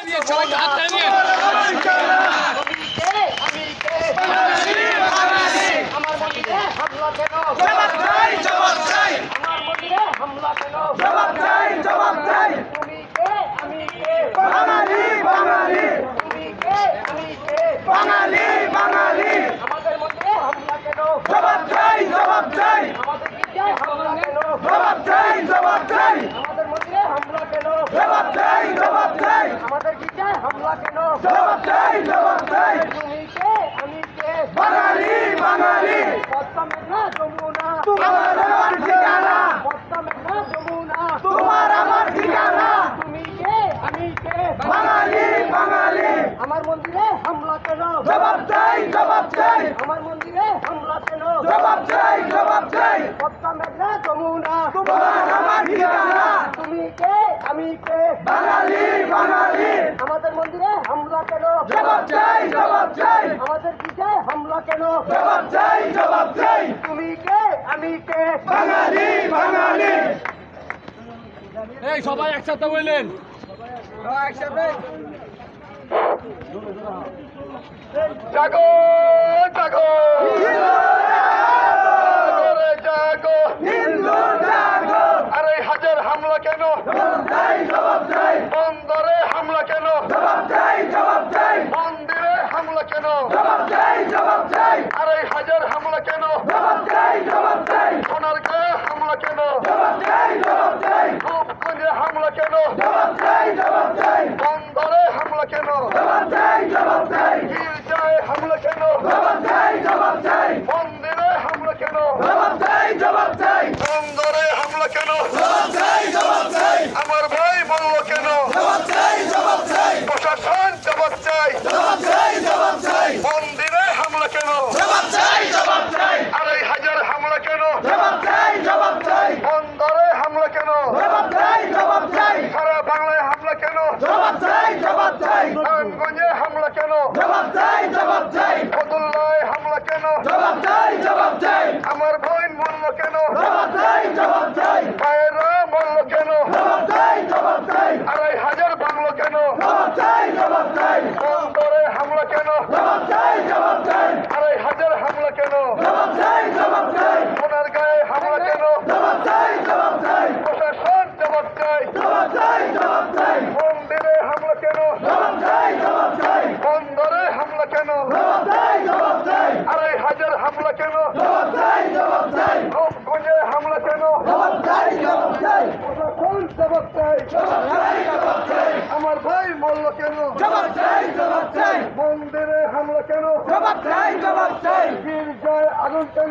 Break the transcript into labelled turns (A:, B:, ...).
A: দিয়ে সবাইকে হাত নিয়ে
B: আমার মন্দিরে হামলা কেন?
C: জবাব চাই, জবাব চাই,
B: আমার মন্দিরে হামলা কেন?
C: জবাব চাই, জবাব চাই।
B: তুমি কে? আমি কে?
C: বাঙালি, বাঙালি,
B: তুমি কে? আমি কে?
C: বাঙালি, বাঙালি।
B: আমাদের মন্দিরে হামলা কেন?
C: জবাব চাই, জবাব চাই,
B: আমাদের গির্জায় হামলা কেন?
C: জবাব চাই, জবাব চাই,
B: আমাদের মন্দিরে হামলা কেন?
C: জবাব চাই, জবাব চাই,
B: আমাদের গির্জায় হামলা কেন?
C: জবাব চাই, জবাব চাই।
B: তুমি কে? আমি কে?
C: বাঙালি, বাঙালি,
B: পদ্মা মেঘনা যমুনা,
C: তোমার আমার ঠিকানা,
B: পদ্মা মেঘনা যমুনা,
C: তোমার আমার ঠিকানা।
B: তুমি কে? আমি কে?
C: বাঙালি, বাঙালি,
B: আমার মন্দিরে হামলা কেন?
C: জবাব চাই, জবাব চাই,
B: আমার মন্দিরে হামলা কেন?
C: জবাব চাই, জবাব চাই,
B: পদ্মা মেঘনা যমুনা,
C: তোমার আমার ঠিকানা।
B: তুমি কে? আমি কে?
C: বাঙালি, বাঙালি,
B: আমাদের মন্দিরে হামলা কেন?
C: জবাব চাই, জবাব চাই,
B: আমাদের গির্জায় হামলা কেন?
C: জবাব চাই, জবাব চাই।
B: তুমি কে? আমি কে?
C: বাঙালি, বাঙালি।
A: এই সবাই একসাথে বললেন
C: জাগো, জাগো, জাগো, হিন্দু জাগো।
D: আরে হাজার হামলা কেন?
C: জবাব চাই, জবাব চাই,
D: বন্দরে হামলা কেন?
C: জবাব চাই, জবাব চাই,
D: মন্দিরে হামলা কেন?
C: জবাব চাই, জবাব চাই,
D: আরে হাজার হামলা কেন?
C: জবাব চাই, জবাব চাই,
D: সোনার গায়ে হামলা কেন?
C: জবাব চাই, জবাব চাই,
D: রূপগঞ্জে হামলা কেন?
C: জবাব চাই, জবাব চাই,
D: বন্দরে হামলা কেন?
C: জবাব চাই, জবাব চাই,
D: গির্জায় হামলা কেন?
C: জবাব চাই, জবাব চাই,
D: মন্দিরে হামলা কেন?
C: জবাব চাই, জবাব চাই,
D: বন্দরে হামলা কেন?
C: জবাব চাই, জবাব চাই,
D: আমার ভাই বলল কেন?
C: জবাব চাই, জবাব চাই,
D: প্রশাসন জবাব চাই।
C: জবাব চাই, জবাব চাই,
D: মন্দিরে হামলা কেন?
C: জবাব চাই, জবাব চাই,
D: আরে হাজার হামলা কেন?
C: জবাব চাই, জবাব চাই,
D: বন্দরে হামলা কেন?
C: জবাব চাই, জবাব চাই,
D: সারা বাংলায় হামলা কেন?
C: জবাব চাই, জবাব চাই,
D: নারায়ণগঞ্জে হামলা কেন?
C: জবাব চাই, জবাব চাই,
D: ফতুল্লায় হামলা কেন?
C: জবাব চাই, জবাব চাই,
D: আমার বোন মরল কেন?
C: জবাব চাই, জবাব চাই,
D: ভাইয়েরা মরল কেন?
C: জবাব চাই, জবাব চাই,
D: আড়াই হাজার ভাঙলো কেন?
C: জবাব চাই, জবাব চাই,
D: বন্দরে হামলা কেন?
C: জবাব চাই, জবাব চাই,
D: আড়াই হাজার হামলা কেন?
C: জবাব চাই, জবাব চাই,
D: সোনার গায়ে হামলা কেন?
C: জবাব চাই, জবাব চাই,
D: প্রশাসন জবাব চাই।
C: জবাব চাই, জবাব চাই,
D: মন্দিরে হামলা কেন?
C: জবাব চাই, জবাব চাই,
D: বন্দরে হামলা কেন?
C: জবাব চাই, জবাব চাই,
D: আড়াই হাজার হামলা কেন?
C: জবাব চাই, জবাব চাই,
D: রূপগঞ্জে হামলা কেন?
C: জবাব চাই, জবাব চাই,
D: প্রশাসন জবাব চাই।
C: জবাব চাই, জবাব চাই,
D: আমার ভাই মরল কেন?
C: জবাব চাই, জবাব চাই,
D: মন্দিরে হামলা কেন?
C: জবাব চাই, জবাব চাই,
D: গির্জায় আগুন কেন?